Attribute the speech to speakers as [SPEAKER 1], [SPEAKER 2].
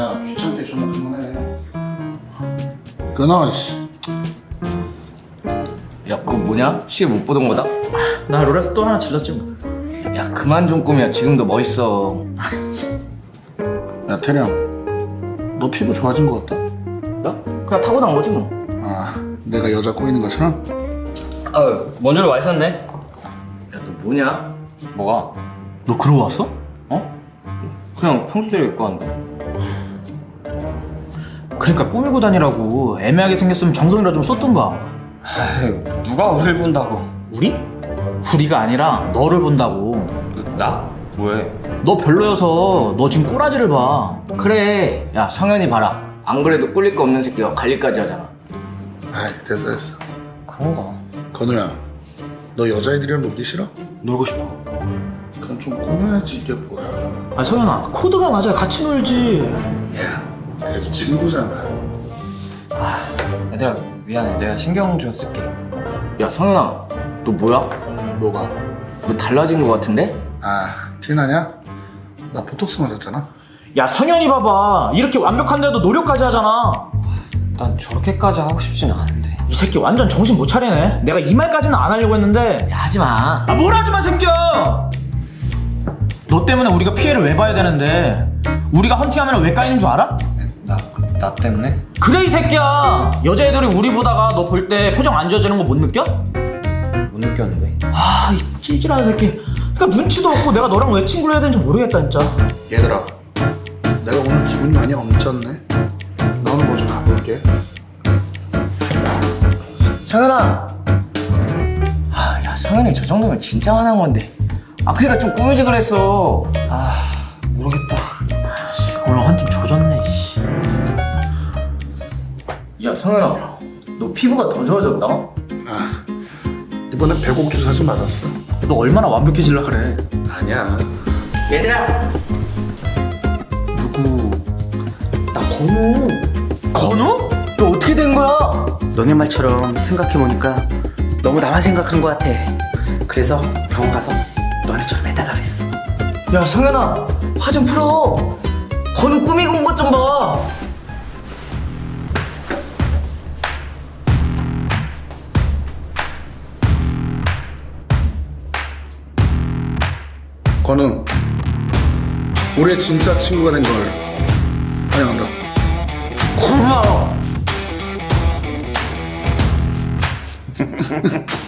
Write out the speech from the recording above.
[SPEAKER 1] 야 귀찮게 전화 그만해. 끊어 씨.
[SPEAKER 2] 야 그거 뭐냐? 시계 못 보던 거다?
[SPEAKER 3] 나 롤에서 또 하나 질렀지 뭐.
[SPEAKER 2] 야 그만 좀 꾸며. 지금도 멋있어.
[SPEAKER 1] 야 태령, 너 피부 좋아진 거 같다.
[SPEAKER 2] 나? 그냥 타고난 거지 뭐.
[SPEAKER 1] 아 내가 여자 꼬이는 것처럼?
[SPEAKER 3] 먼저로 와 있었네.
[SPEAKER 2] 야 너 뭐냐?
[SPEAKER 3] 뭐가? 너 그러고 왔어? 어? 그냥 평소대로 입고 왔는데. 그러니까 꾸미고 다니라고. 애매하게 생겼으면 정성이라 좀 쏟던가.
[SPEAKER 4] 아유, 누가 우릴 본다고.
[SPEAKER 3] 우리? 우리가 아니라 너를 본다고.
[SPEAKER 4] 나? 뭐해?
[SPEAKER 3] 너 별로여서 너 지금 꼬라지를 봐.
[SPEAKER 2] 그래. 야 성현이 봐라. 안 그래도 꿀릴 거 없는 새끼가 관리까지 하잖아.
[SPEAKER 1] 아이 됐어.
[SPEAKER 4] 그런가?
[SPEAKER 1] 건우야, 너 여자애들이랑 놀기 싫어?
[SPEAKER 4] 놀고 싶어.
[SPEAKER 1] 그럼 좀 꾸며야지 이게 뭐야.
[SPEAKER 3] 아 성현아, 코드가 맞아. 같이 놀지.
[SPEAKER 1] 야 그래도 친구잖아.
[SPEAKER 4] 얘들아, 미안해. 내가 신경 좀 쓸게.
[SPEAKER 2] 야 성현아 너 뭐야?
[SPEAKER 1] 뭐가?
[SPEAKER 2] 너 달라진 거 같은데?
[SPEAKER 1] 아 티나냐? 나 보톡스 맞았잖아.
[SPEAKER 3] 야 성현이 봐봐. 이렇게 완벽한데도 노력까지 하잖아.
[SPEAKER 4] 난 저렇게까지 하고 싶진 않은데.
[SPEAKER 3] 이 새끼 완전 정신 못 차리네. 내가 이 말까지는 안 하려고 했는데.
[SPEAKER 2] 야 하지마.
[SPEAKER 3] 아 뭘 하지마 새끼야. 너 때문에 우리가 피해를 왜 봐야 되는데. 우리가 헌팅하면 왜 까이는 줄 알아?
[SPEAKER 4] 나 때문에?
[SPEAKER 3] 그래 이 새끼야. 여자애들이 우리 보다가 너 볼 때 표정 안 좋아지는 거 못 느껴?
[SPEAKER 4] 못 느꼈는데.
[SPEAKER 3] 아 이 찌질한 새끼. 그러니까 눈치도 없고 내가 너랑 왜 친구를 해야 되는지 모르겠다 진짜.
[SPEAKER 1] 얘들아, 내가 오늘 기분이 많이 엄쳤네. 나는 먼저 가볼게.
[SPEAKER 2] 성현아. 야 성현이 저 정도면 진짜 화난 건데. 그러니까 좀 꾸미지 그랬어.
[SPEAKER 4] 모르겠다.
[SPEAKER 3] 오늘 한 팀 조졌네 씨.
[SPEAKER 2] 야 성현아 너 피부가 더 좋아졌다.
[SPEAKER 1] 이번에 배곡주 사진 맞았어.
[SPEAKER 3] 너 얼마나 완벽해질라 그래.
[SPEAKER 1] 아니야.
[SPEAKER 2] 얘들아.
[SPEAKER 1] 누구?
[SPEAKER 5] 나 건우.
[SPEAKER 2] 건우? 너 어떻게 된 거야?
[SPEAKER 5] 너네 말처럼 생각해보니까 너무 나만 생각한 것 같아. 그래서 병원 가서 너네처럼 해달라 그랬어.
[SPEAKER 2] 야 성현아 화 좀 풀어. 건우 꾸미고 온 것 좀 봐.
[SPEAKER 1] 건우, 우리의 진짜 친구가 된 걸 환영한다.
[SPEAKER 2] 고마워.